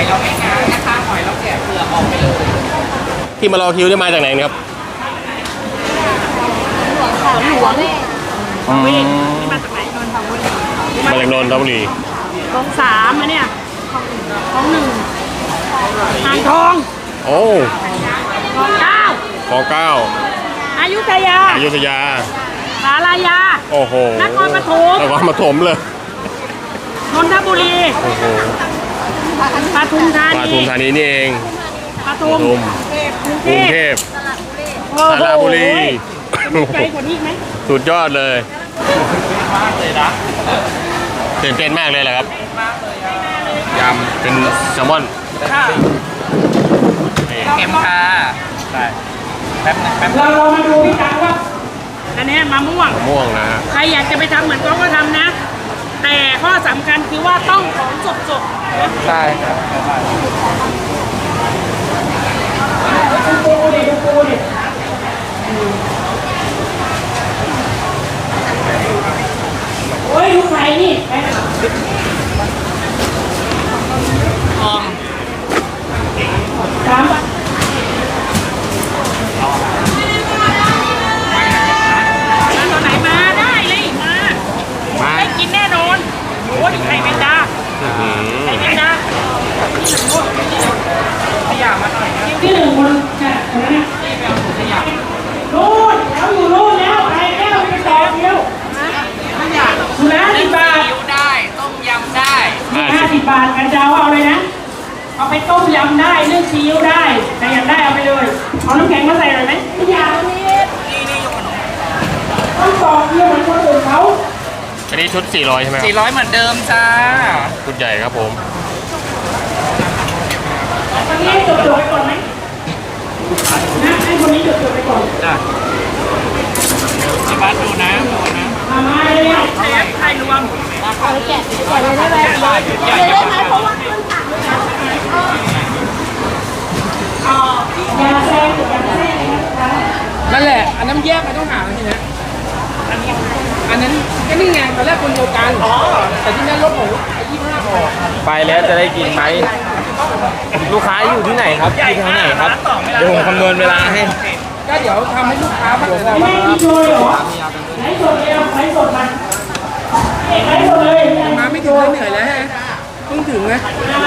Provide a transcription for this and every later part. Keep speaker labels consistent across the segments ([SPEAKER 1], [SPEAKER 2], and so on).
[SPEAKER 1] เราไม่ง้างนะคะหอยเราแกะเปลือกออกไปเลย
[SPEAKER 2] ที่มารอคิวได้มาจากไหนครับ
[SPEAKER 3] หลวง
[SPEAKER 4] นี่มาจากไหนนนทบุรี
[SPEAKER 2] มาจากนนทบุรี
[SPEAKER 4] คลองสามอะเนี่ยคลองหนึ่งอ่างทอง
[SPEAKER 2] โอ้
[SPEAKER 4] คลองเก้า
[SPEAKER 2] คลองเก้า
[SPEAKER 4] อยุธยาสารยา
[SPEAKER 2] โอ้โห
[SPEAKER 4] นครปฐม
[SPEAKER 2] เลย
[SPEAKER 4] นนทบุรี
[SPEAKER 2] โอ้โห
[SPEAKER 4] ปทุมธา
[SPEAKER 2] นีนี่เอง
[SPEAKER 4] ปทุมกรุงเทพ
[SPEAKER 2] สระบุรี
[SPEAKER 4] ไกลกว่านี้ไหม
[SPEAKER 2] สุดยอดเลยตื่นเต้นมากเลยแหละครับยำเป็นแซลมอน
[SPEAKER 1] เค็มค่ะได้แป๊บ
[SPEAKER 4] เรามาดูพี่ตังว่าอันนี้มะม่วง
[SPEAKER 2] นะ
[SPEAKER 4] ใครอยากจะไปทำเหมือนเขาก็ทำนะแต่ข้อสำคัญคือว่าต้องของสด
[SPEAKER 1] ใช่ครับ
[SPEAKER 4] ดูดิโอ้ยดูไข่นี่
[SPEAKER 1] ออม
[SPEAKER 4] 3 บาทตอนไหนมาได้เลยมาให้กินแน่นอนโอ้ยไข่แมงดาไข่แมงดา
[SPEAKER 1] ขยะมาหน่อย
[SPEAKER 4] ที่หนึ่งคนค่ะนู่นแล้วอยู่นู่นแล้วไข่แก้วไปต่อเดียวสุนัข10 บาท
[SPEAKER 1] ได้ต้มยำได้
[SPEAKER 4] 50 บาทกันเจ้าเอาเลยนะเอาไปต้มยำได้นึ่งซีอิ๊วได้แต่อยากได้เอาไปเลยเอาน้ำแข็งมาใส่หน่อยไหมไม่อยากนี่ต้องต่อเดียวเหมือนคนอื่นเขา
[SPEAKER 2] อันนี้ชุด400ใช่ไหม
[SPEAKER 1] 400เหมือนเดิมจ้า
[SPEAKER 2] ชุดใหญ่ครับผม
[SPEAKER 4] คนนี้จดไปก่อนไหมนะให้คนนี้จดไปก่อน
[SPEAKER 1] จ้ะบ้านดูนะ
[SPEAKER 4] มาเลยเชฟไข่รวม
[SPEAKER 3] แกะเลยได้ไหมเพราะว่าขึ้นถังเลยนะ
[SPEAKER 4] ยาแซ่
[SPEAKER 1] นั่นแหละอันนั้นแยกไปต้องหาทีนะอันนั้นก็นี่ไงตอนแรกคนเดียวกันแต่ที่นั่นรถหมู25 ห่อ
[SPEAKER 5] ไปแล้วจะได้กินไหมลูกค้าอยู่ที่ไหนครับอยู่ที่ไหนครับเดี๋ยวผมคำนวณเวลาให้
[SPEAKER 1] ก็เดี๋ยวทำให้ลูกค้ามาเลย
[SPEAKER 4] ไม่กินเลยเหรอไหนสดเลยไหนสดมาไหนสดเลย
[SPEAKER 1] มาไม่ถึงเหนื่อยแล้วฮะเพิ่งถึงนะ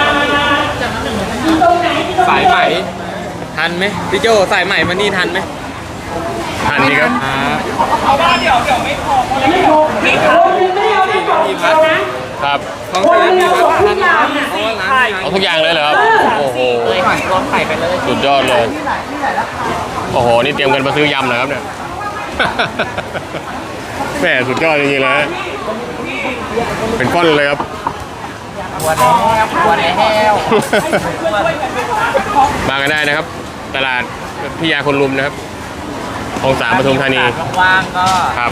[SPEAKER 5] สายใหม่ทันไหมพี่โจสายใหม่มานี่ทันไหม
[SPEAKER 2] ทันดีครับ
[SPEAKER 1] เอาว่าเดี๋ยวไม่พอ
[SPEAKER 4] ไม่พอไม่เอาไม่พอ
[SPEAKER 2] ครับ
[SPEAKER 5] ของเสียมีครับทัน
[SPEAKER 2] เอาทุกอย่างเลยเหรอครับโอ้โห
[SPEAKER 1] รวมไข่ไปเลย
[SPEAKER 2] สุดยอดเลยโอ้โหนี่เตรียมกันมาซื้อยำนะครับเนี่ยแม่สุดยอดจริงๆเลยเป็นก้อนเลยครับ
[SPEAKER 1] บัวแล้ว
[SPEAKER 2] มากันได้นะครับตลาดพิยาคนลุมนะครับคลอง3 ปทุมธานี
[SPEAKER 1] ว่างก็
[SPEAKER 2] ครับ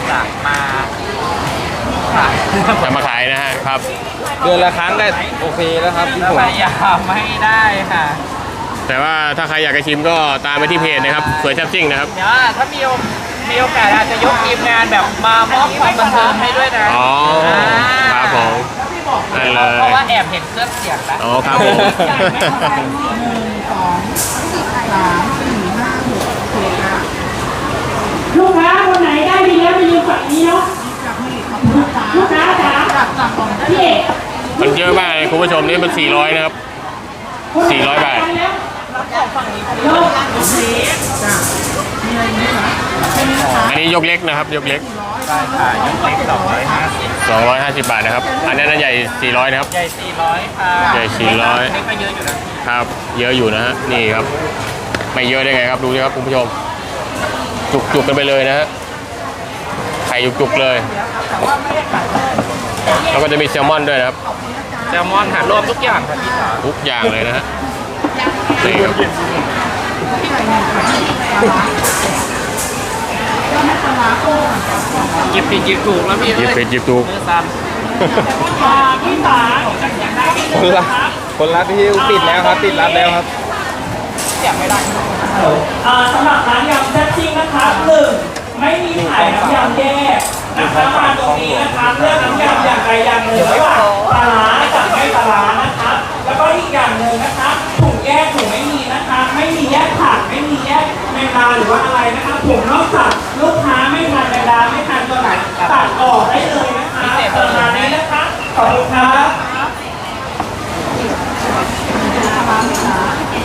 [SPEAKER 2] จะมาขายนะฮะครับ
[SPEAKER 5] เดือนละครั้งได้โอเคแล้วครับพี่ผม
[SPEAKER 1] พยายามไม่ได้ค่ะ
[SPEAKER 2] แต่ว่าถ้าใครอยากจะชิมก็ตามไปที่เพจนะครับสวยแซ่บซิ่งนะครับ
[SPEAKER 1] เดี๋ยวถ้ามีโอกาสอาจจะยกทีมงานแบบมามอบความบันเทิงให้ด้วยนะ
[SPEAKER 2] อ๋อครับผมนั่นเลย
[SPEAKER 1] เพราะว่าแอบเห็นเครื่องเสียงแล้ว
[SPEAKER 2] อ๋อครับผม
[SPEAKER 4] ลูกค้าคนไหนได้ดีแล้วไปยืนฝั่งนี้เนาะลูกค้าจ๋าพี่เอก
[SPEAKER 2] มันเยอะมากเลยคุณผู้ชมนี่มัน400นะครับ400 บาทอันนี้ยกเล็กนะครับยกเล็ก
[SPEAKER 1] ใช่ค่ะยกเล็ก
[SPEAKER 2] 250 บาทนะครับอันนั้นใหญ่400นะครับ
[SPEAKER 1] ใหญ่400ค่ะ
[SPEAKER 2] ใหญ่400
[SPEAKER 1] นี่ก็เยอะอยู่นะครับ
[SPEAKER 2] เยอะอยู่นะฮะนี่ครับไม่เยอะได้ไงครับดูสิครับคุณผู้ชมจุกกันไปเลยนะฮะไข่จุกเลยแล้วก็จะมีแซลมอนด้วยนะครับ
[SPEAKER 1] แซลมอนหารวมทุกอย่างครับพี่สาว
[SPEAKER 2] ทุกอย่างเลยนะฮะนี่ครับ
[SPEAKER 1] หยิบผิดหยิบถูกแล้วพี่
[SPEAKER 2] หยิบผิดหยิบถูก
[SPEAKER 4] พี่สาว
[SPEAKER 5] คนรับที่ปิดแล้วครับปิดรับแล้วครับ
[SPEAKER 1] ไม่ได้
[SPEAKER 4] สำหรับร้านยำแซ่บซิ่งนะครับ1ไม่มีขายน้ำยำแยกนะครับมาตรงนี้นะครับเลือกน้ำยำอย่างใดอย่างหนึ่งระหว่างปลาร้ากับไม่ปลาร้านะครับแล้วก็อีกอย่างหนึ่งนะครับ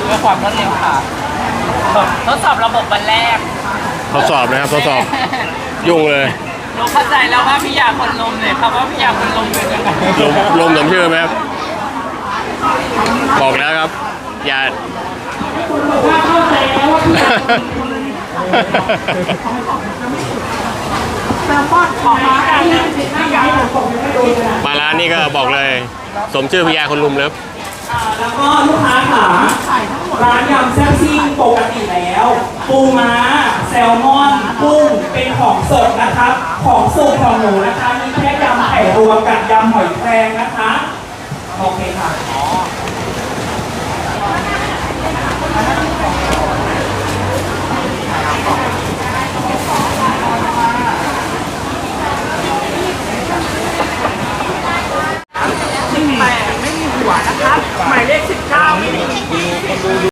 [SPEAKER 5] พื่อความรวดเร็วค่ะทดสอบระบบวันแรก
[SPEAKER 2] ทดสอบนะครับทดสอบยุ่งเลย
[SPEAKER 5] เราเข้าใจแล้วว่าพี่ยาคนลมเนี่ยครับว่าพี่ยาคนลมเป็นยังไง
[SPEAKER 2] ลมสมชื่อไหมครับบอกแล้วครับอย่า
[SPEAKER 4] ถ้าเข้าใจแล้วว่าพี่
[SPEAKER 3] แซลมอนของมาอันนี้
[SPEAKER 4] ถ้าย้ายหลังผมยังไม่โดนเลย
[SPEAKER 2] มาร้านนี้ก็บอกเลย สมชื่อพญาคนลุมเลย
[SPEAKER 4] แล้วก็ลูกค้าขาร้านยำแซ่บซิ่งปกติแล้ว ปูม้าแซลมอนกุ้งเป็นของสดนะครับ ของสุกของหนูนะคะ มีแค่ยำไข่รวมกับยำหอยแครงนะคะ โอเคค่ะ18ไม่มีหัวนะครับ หมายเลข19ไม่มี